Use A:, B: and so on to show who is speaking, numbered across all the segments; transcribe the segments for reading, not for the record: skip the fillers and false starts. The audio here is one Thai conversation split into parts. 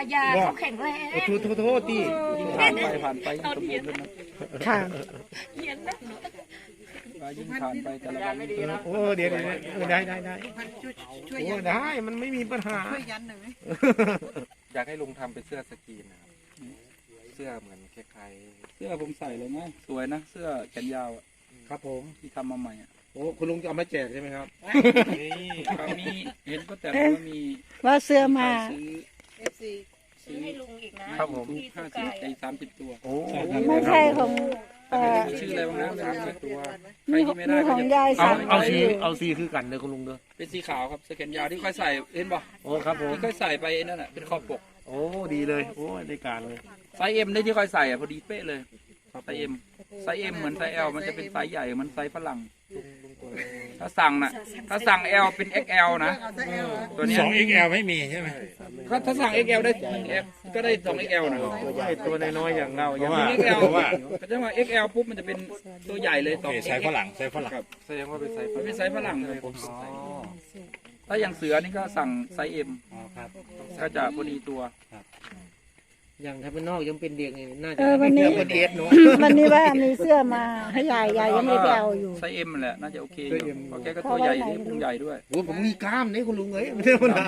A: ยาเขาแข็งแรง
B: โทษที่
C: ยิ่งผ่านไปยิ่งสมบูรณ์เลยนะ
D: ค่ะ
A: เขียนนะ
C: ยิ่งผ่านไปแต่ละวัน
B: โอ้เดี๋ยวได้
E: ช่วย
B: โอ้
E: ยัน
B: ได้มันไม่มีปัญหา
E: ช่วยยันหน่อยไหม
F: อยากให้ลุงทำเป็นเสื้อสกรีนนะครับเสื้อเหมือนคล้าย
C: เสื้อผมใส่เลยนะสวยนะเสื้อแขนยาว
B: ครับผม
C: ที่ทำมาใหม่อ่ะ
B: โอ้คุณลุงจะเอามาแจกใช่ไหมครับ
C: ครับมีเห็นก็แต่ว่ามี
D: ว่าเสื้อมา
C: ซื้อ
E: FC
A: ซื้อให้ลุงอีกนะครับ
B: ผม
A: พี่สุกาย
C: 30 ตัว
B: โอ้
D: ไม่ใช่ของ
C: มีชื่ออะไรบ้างนะ30 ตัวใคร
D: มี
C: ที่ไม่ได้
D: ของยาย
B: เอา
D: สั่ง
B: เอา
D: ไว้
B: สี
D: อยู่
B: เอาสีคือกันเลยคุณลุงเด้อ
C: เป็นสีขาวครับเสื้อแขนยาวที่ค่อยใส่เห็นป่ะ
B: โอ้ครับผม
C: ที่ค่อยใส่ไปนั่นน่ะเป็นคอปก
B: โอ้ดีเลยโอ้ได้การเลย
C: ไซส์เอ็มได้ที่ค่อยใส่อ่ะพอดีเป๊ะเลยไซส์เอ็มเหมือนไซส์เอลมันจะเป็นไซส์ใหญ่เหมันไซส์ฝรั่งถ้าสั่งเอลเป็น XL นะ
E: เอาซะเอลเหรอ
C: ตัวเนี้ย
F: 2XL ไม่มีใช่ไหม
C: ถ้าสั่ง XL ได้ 1F ก็ได้ 2XL นะ
B: ตัวใหญ่ตัวน้อยๆอย่างเราอย่าง
F: เพราะว่า
B: นี้
C: XL
F: เพราะว่า
C: ก็จะว่า XL ปุ๊บมันจะเป็นตัวใหญ่เลย
F: โอเคใส่ฝรั่งใส่ฝรั่ง
C: ครับ
F: แสดงว่าเป็นใส่
C: มันเป็นไซส์ฝรั่งเลย
F: อ๋อ
C: ถ้าอย่างเสือนี่ก็สั่งไซส์ M
F: อ๋อครับ
C: ก็จะพอดีตัว
B: อย่างถ้าเป็นนอกยังเป็นเด็กนี่น่าจะ
D: วันนี้
B: เป็นเอสเนาะ
D: วันนี้ว่ามีเสื้อมาให้ยายยังไม่ได้ไปเอาอยู่
C: ไซส์ M นั่นแหละน่าจะโอเคอยู่
B: ไซส์ M
C: เพราะแกก็ตัวใหญ่ที่พุงใหญ่ด้วย
B: โอ้ผมมีกล้ามนี่คุณลุงเอ้ยไม่ใช่ปัญหา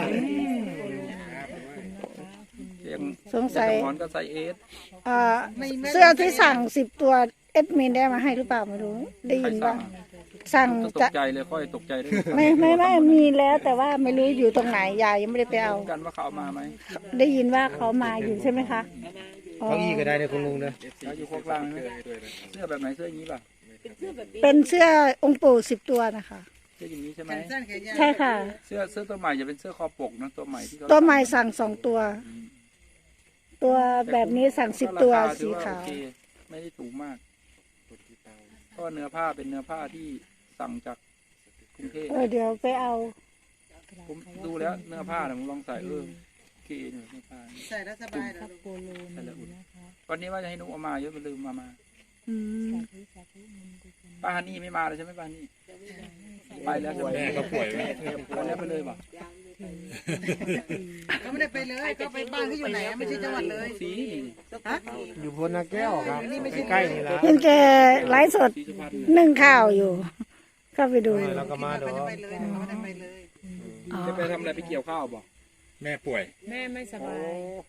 C: อย่าง
D: สงสัย
C: หมอนก็ไซส์ S
D: เสื้อที่สั่ง10 ตัวเอดมินได้มาให้หรือเปล่าไม่รู้ ได้
C: ใคร
D: ยิน
C: สั่
D: ว่าง สั่ง
C: ต
D: จะ
C: กใจเลยค่อยตกใจได้
D: ไม่มีแล้วแต่ว่าไม่รู้อยู่ตรงไหนยายยังไม่ได้ไปเอา
C: กันว่าเขาเอามาไหม
D: ได้ยินว่าเขามาอยู่ใช่ไหมคะอ๋อ
B: เก้าอี้ก็ได้เลยคุณลุงเนอะ
C: แล้วอยู่โคกล่างนะเสื้อแบบไหนเสื้ออย่างนี้ป่ะ
D: เป็นเสื้อองค์ปู่10 ตัวนะคะ
C: เสื้ออย่างนี้ใช่ไห
E: แข
C: ม
E: นสั้นแขนยาว
D: ใช่ค่ะ
C: เสื้อตัวใหม่จะเป็นเสื้อคอปกนะตัวใหม่ที่เขา
D: ตัวใหม่สั่ง2 ตัว ตัวแบบนี้สั่ง10 ตัว
C: ราคาถื
D: สี
C: อ
D: ขาว
C: โอเคไม่ได้ถูกมากเพราะว่าเนื้อผ้าเป็นเนื้อผ้าที่สั่งจากกรุงเทพ
D: เดี๋ยวไปเอา
C: ผมดูแล้วเนื้อผ้าเนี่ยผมลองใส่โอเคเนี่ยเนื้อผ้า
E: ใส่แล้วสบายเหรอลูก
C: ใส่แล้วอุ่นวันนี้ว่าจะให้นุ๊กเอามาเยอะไปลืมมา
D: อืม
C: ป้าฮันนี่ไม่มาเลยใช่ไหมป้าฮันนี่ไปแล้วใช่ไหม
F: แม่ก็ป่วยไหม
C: ไปแล้วไปเลยป่ะ
E: เขาไม่ได้ไปเลยเขาไปบ้านเขาอยู่ไหนอะไม่ใช่จังหวัดเลย
C: สี
E: ฮะ
B: อยู่บนนาแก้วครับใกล้ๆนี่ละ
D: เห็นแกไลฟ์สด
C: สีสุพรรณ
D: นึ่งข้าวอยู่ ก็ไปดู
B: แล้วก็มา
E: เขา
B: ดอ
E: จะไปเลยเขาไม่ได้ไปเลย
D: อ๋อ
C: จะไปทำอะไรไปเกี่ยวข้าวบ่
F: แม่ป่วย
A: แม่ไม่สบาย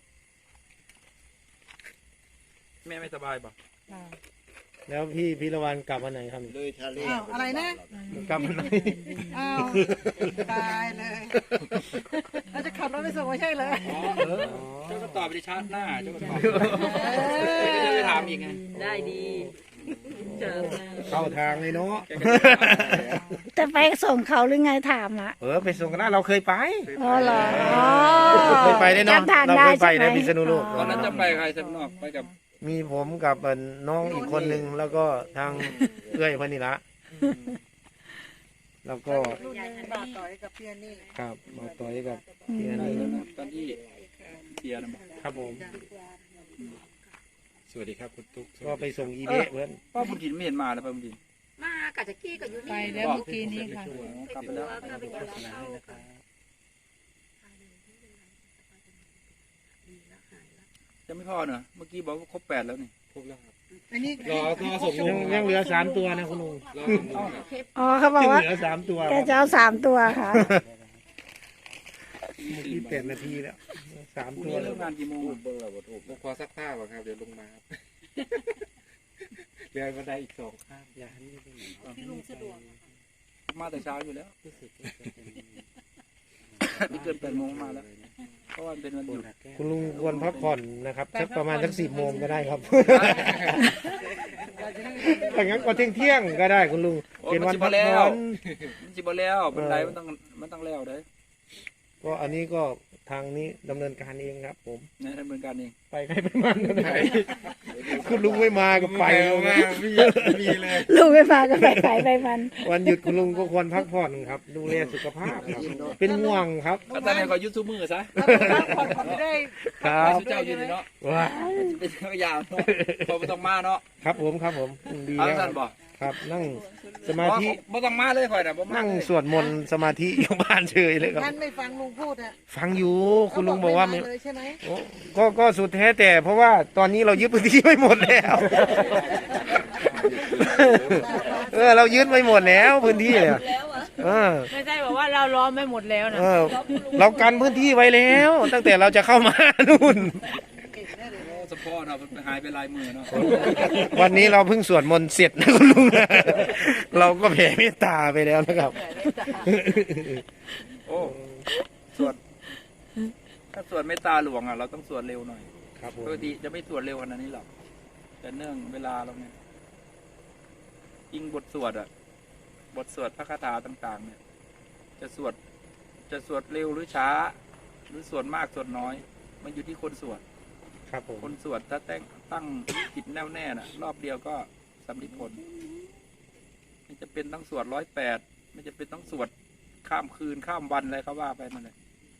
C: แม่ไม่สบายป่ะ
B: แล้วพี่พิรวันกลับวันไหนครับ
E: อ้าวอะไรนะ
B: กลับวันไหน
E: อ้าวตายเลยเราจะขับรถไปส่งไม่ใช่เลย
C: อ๋อเจ้าก็ตอบไปในชาร์จหน้าเจ้าก็ตอบไม่ได้ไปถามอีกไง
A: ได้ดีเจอ
B: เข้าทางเลยเนาะ
C: แกก็จะถามแล้ว
D: จะไปส่งเขาหรือไงถามอ่ะ
B: ไปส่งกันได้เราเคยไป
D: อ๋อเหรออ๋อ
B: เคยไปได้เนาะ
D: จำทาง
B: เรา
D: ได้
B: เคยไป
D: ใช่ไหม
B: นะพิษณุโลก
C: ตอนนั้นจะไปใครสำนอกไปกับ
B: มีผมกับน้องอีกคนนึงแล้วก็ทางเอื้อยพนิละแล้วก็
E: รุ่นนึงบาทต่อยกับเพียนี่
B: ครับมาต่อยกับ
D: อืม
B: พี่อันนี้
C: ตอนที่เสียนะ
B: ครับผม
F: สวัสดีครับคุณตุ๊ก
B: ก็ไปส่งอีเบะเพื่อน
C: ป้าบุญถินไม่เห็นมาเลยป้าบุญถิน
A: มากับจักกี้กับยูนี่
G: ไปแล้วเมื่อกี้นี้ค่ะ
C: กลับไปแล้ว
A: ก็ไปเกี่ยวข้าวค่ะ
C: ยังไม่พอเนอะเมื่อกี้บอกว่าครบ8แล้วนี่
E: อันนี้
F: รอส่งลุง
B: ยังเหลือ3 ตัวนะคุณลุง
D: อ๋อเขาบอก
B: ยัง
D: ว่า
B: เหลือ3 ตัว
D: แกจะเอา3 ตัวค่ะ
B: เมื่อกี้8 นาทีแล้ว3
C: พรุ่ง
B: ตัว
C: นี้
B: แล้
C: เริ่
B: ว
C: มงานกี่โมง
F: ผมขอซักผ้าก่อนครับเดี๋ยวลงมาครับเดินบันไดอีก2ข้ามอย่าให้นี่ไปไหน
A: ที่ลุงสะดวก
C: มาแต่เช้าอยู่แล้วไม่เกิน8 โมงมาแล้วเพราะว่ามันเป็นวันหยุด
B: คุณลุงควรพักผ่อนนะครับสักประมาณสัก10 โมงก็ได้ครับถ้างั้นก็เที่ยงๆก็ได้คุณลุงเป็นวันพักผ่อน
C: มันจิบแล้วบันไดมันต้องแล้วเด้อ
B: ก็อันนี้ก็ทางนี้ดำเนินการเองครับผม
C: ในดำเนินการเอง
B: ไปใครไปมันก็ได้คุณลุงไม่มาก็ไป
F: มีเลย
D: ลูกไม่มาก็ไปมัน
B: วันหยุดคุณลุงก็ควรพักผ่อนครับ ดูแลสุขภาพครับเป็นห่วงครับ
C: ก็ตอนนี้ก็ยูทูบมือซะ
E: ผ่อนไม่ได้
B: ครับ
C: สุเจ้าอยู่นี่เนาะ
B: ว้า
C: เป็นยาวเนาะพอไม่ต้องมาเนาะ
B: ครับผมดี
C: เอา
B: แล้ว
C: สั้นบ่
B: ครับนั่งสมาธิ
C: บ่ต้องมาเลยค่อยนะบ่มา
B: นั่ง
C: เลย
B: สวดมนต์สมาธิอยู่บ้านเฉยเลยครับ
E: ท่านไม่ฟังลุงพูดอ่ะ
B: ฟังอยู่คุณลุงบอกว่าไม่
E: เลยใช่ไหม
B: โอ้ก็สุดแท้แต่เพราะว่าตอนนี้เรายึดพื้นที่ไม่หมดแล้ว เรายึดไม่หมดแล้วพื้นที่เนี่ย
A: ไม่ใช่บอกว่าเราล้อมไม่หมดแล้วนะ
B: เรากันพื้นที่ไว้แล้ว ตั้งแต่เราจะเข้ามานู่น
C: สปอร์ตเนาะมันหายไปลายมือเนาะ
B: วันนี้เราเพิ่งสวดมนต์เสร็จนะคุณลุงนะเราก็แผ่เมตตาไปแล้วนะครับ
C: โอ้สวดถ้าสวดเมตตาหลวงอ่ะเราต้องสวดเร็วหน่อย
B: ครับผม
C: ปกติจะไม่สวดเร็วขนาดนี้หรอกแต่เนื่องเวลาเราเนี่ยยิ่งบทสวดอ่ะบทสวดพระคาถาต่างๆ เนี่ย จะสวดเร็วหรือช้า หรือสวดมากสวดน้อย มันอยู่ที่คนสวด
B: ครับผม
C: คนสวดถ้าตั้งจิตแน่วแน่น่ะ รอบเดียวก็สำลิดผลไม่จะเป็นต้องสวด108ไม่จะเป็นต้องสวดข้ามคืนข้ามวันอะไรเขาว่าไปนั่นแหละ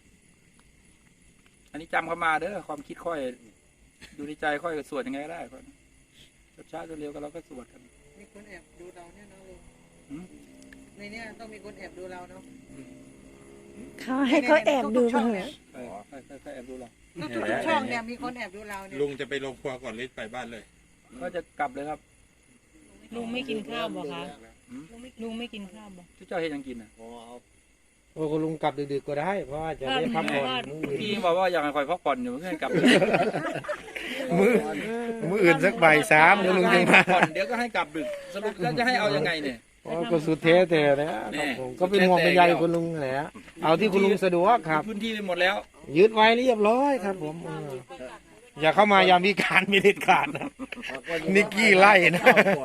C: อันนี้จำเข้ามาเด้อความคิดค่อยอยู่ในใจค่อยก็สวดยังไงก็ได้ค่อยช้าจนเร็วก็เราก็สวดกัน
E: มีคนแอบดูเราเนี่ยเนาะลุง
C: หืม
E: ในเนี้ยต้องมีคนแอบดูเราเนาะ
D: เขาให้เขาแอบดูบ้างเหรอ
C: ใครแอบดูเรา
E: ทุกช่องเนี่ยมีคนแอบดูเราเนี่ย
G: ลุงจะไปลงครัวก่อนหรือไปบ้านเลย
C: ก็จะกลับเลยครับ
A: ลุงไม่กินข้าวบ่คะลุงไม่กินข้าวบ่
C: ทุกเจ้าเฮ็ดหยังกินอ่ะ
B: โอ้คุณลุงกลับดึกๆก็ได้ เพราะว่าจะได้พักผ่อนมื้ออื่น
C: พี่บอกว่าอยากให้คอยพักผ่อนอยู่เพื่อนกลับ
B: มื้ออื่นสักบ่ายสามเดี๋ยวลุงจะมา
C: ผ่อนเดี๋ยวก็ให้กลับดึกสรุปแล้วจะให้เอายังไงเนี่ย
B: อ๋อก็สุดแท้แต่นะครับผมก็เป็นห่วงเป็นใยคุณลุงแหละเอาที่คุณลุงสะดวกครับ
C: พื้นที่ไปหมดแล้ว
B: ยึดไว้เรียบร้อยครับผมอย่าเข้ามายามวิการมีเด็ดขาดนะนิกกี้ไล่นะ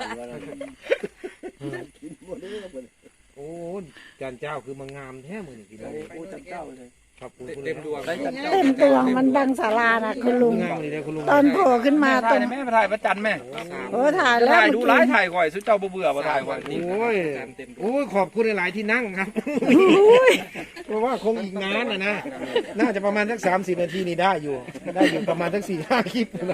B: โอ้จานเจ้าคือมางามแท้มือนี่กิน
C: โอ้จับเจ้าเลย
B: ครับคุณ
F: เต็มดวง
C: ได้จับเจ้า
D: เต็มตัวมันบังศาลานะคุณลุง
B: งามเลยนะคุณลุง
D: ตอนโผล่ขึ้นมา
C: ถ่า
D: ตร
C: ย
D: ง
C: แม่ไปถ่ายประจันแม่
D: โอ้ถ่ายแล้ว
C: ถ่ายดู
D: เมื่อ
C: ร้าย
D: กี้
C: ถ่ายก่อยสุดเจ้าเบื่อมาถ่ายก่อย
B: โอ้ยโอ้ยขอบคุณหลายๆที่นั่งครับเพราะว่าคงอีกนานนะน่าจะประมาณสัก30 นาทีนี่ได้อยู่ประมาณสัก4-5 คลิปนะ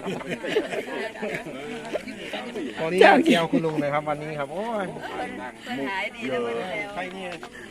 B: ตอนนี้อยากเกี่ยวคุณลุงเลยครับวันนี้ครับโอ้ย
A: หายดีแล้ว
B: ใครเนี่ย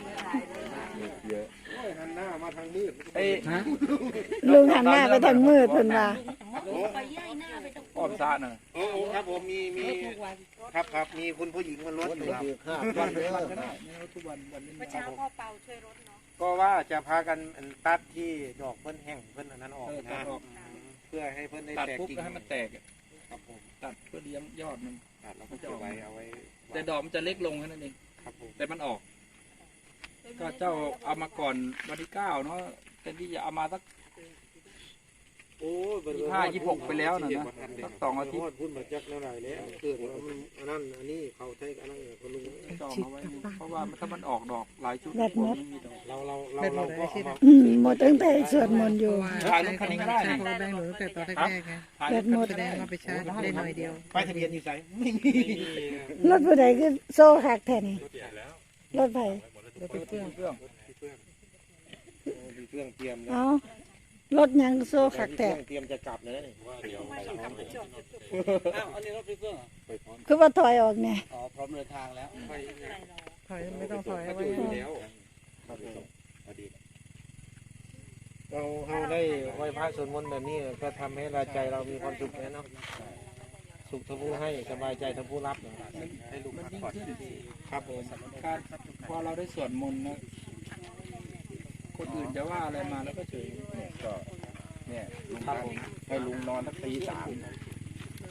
B: หันหน้ามาทางมืด
C: ไอ้
D: ลุงหันหน้าไปทางมืดเพิ่นว่า
C: อ้อมซาน่ะ
B: โอ้ครับผมมีครับมีคุณผู้หญิงมารถอยู่ครับ
C: วันก็ได้ทุกวันนี้
A: เช้าพ่อเปาช่วยรถเนาะ
B: ก็ว่าจะพากันตัดที่ดอกเพิ่นแห้งเพิ่นอันนั้นออกนะเพื่อให้เพิ่นได้
C: ตัด
B: แตก
C: ปุ๊บ
B: กิ่ง
C: ก็ให้มันแตก
B: ครับผม
C: ตัดเพื่อเลี้ยงยอดมัน
B: ตัดแล้วก็จะเอาไว้
C: แต่ดอกมันจะเล็กลงแค่นั้นเอง
B: ครับผม
C: แต่มันออก ก็เจ้าเอามาก่อนวันที่9เนาะแต่ที่จะเอามาสัก
B: โอ้
C: 25-26ไปแล้วนะสัก2 อาทิตย์
B: พุ่นมาจักแล้วไรแล้วเกิดว่ามันอันนั้นอันนี้เขาใช้อันนั้นคุณลุง
C: จองเอาไว้เพราะว่าถ้ามันออกดอกหลายชุด
D: แบบหมด
C: ไม่มีดอก
B: เราก็เอามา
D: หมดตั้งแต่สวดมนต์อยู่
C: ถ่ายรถคันนี้ก็ได้
E: ใช่
C: นี่
E: เพราะแบงค์หนูตั้งแต่ตอนแรกๆไง
C: ถ่าย
D: แบ
C: ร
D: ต
C: ถ
D: หมด
E: แสดงว่าไปชาร์จได้หน่อยเดียว
B: ป้ายทะเบียนอยู่ไสไม่มี
D: รถผู้ใดคือโซ่คักแท้นี่รถไผ
C: เครื่อง
B: มีเครื่องเตรียม
D: เอารถยังโซ่คักแท้
B: เตรียมจะกลับเลยนี่
D: คือว่าถอยออกเนี่ย
C: อ๋อพร้อมเดินทางแล้ว
E: ถอยไม่ต้องถอยเอาไว้
F: แล้ว
B: ครับผมเราได้ไหว้พระสวดมนต์แบบนี้ก็ทำให้เราใจเรามีความสุขนะเนาะสุขทั้งผู้ให้สบายใจทั้งผู้รับนะครับ
F: ให้ลุง
C: มัน
F: พัก
C: ยิ่ง
F: ผ่อน
C: ขึ้น
B: ครับผม
C: การพอเราได้สวดมนต์นะคนอื่นจะว่าอะไรมาแล้วก็เฉย
F: ก็เนี่ยลุงพักให้ลุงนอนสักตี 3